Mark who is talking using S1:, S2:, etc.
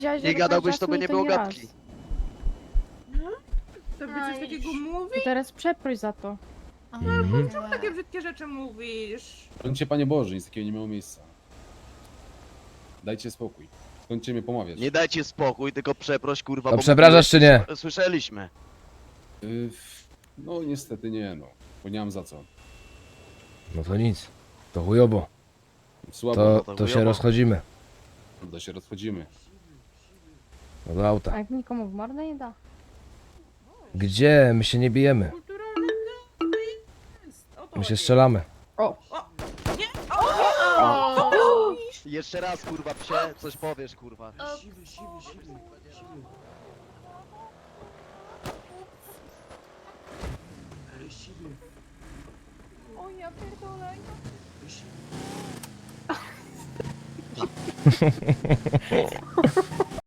S1: Nie gadałbyś, to by nie było gadki.
S2: To by coś takiego mówi?
S3: I teraz przeproś za to.
S2: Czemu takie brzydkie rzeczy mówisz?
S4: Brońcie, Panie Boże, nic takiego nie miało miejsca. Dajcie spokój. Skończcie mnie pomawiać.
S1: Nie dajcie spokój, tylko przeproś, kurwa.
S5: To
S1: bo
S5: przepraszasz, czy nie?
S1: Słyszeliśmy.
S4: No niestety nie, no. Bo nie mam za co.
S5: No to nic. To chujowo.
S4: Słabo,
S5: To się rozchodzimy.
S4: to się rozchodzimy.
S5: No do auta.
S3: A jak nikomu w mordę nie da?
S5: Gdzie? My się nie bijemy.
S2: Kulturalny to jest. O to
S5: My się
S2: chodzi.
S5: strzelamy.
S2: Nie!
S1: Jeszcze raz, kurwa, psie, coś powiesz, kurwa.
S3: O ja pierdolę.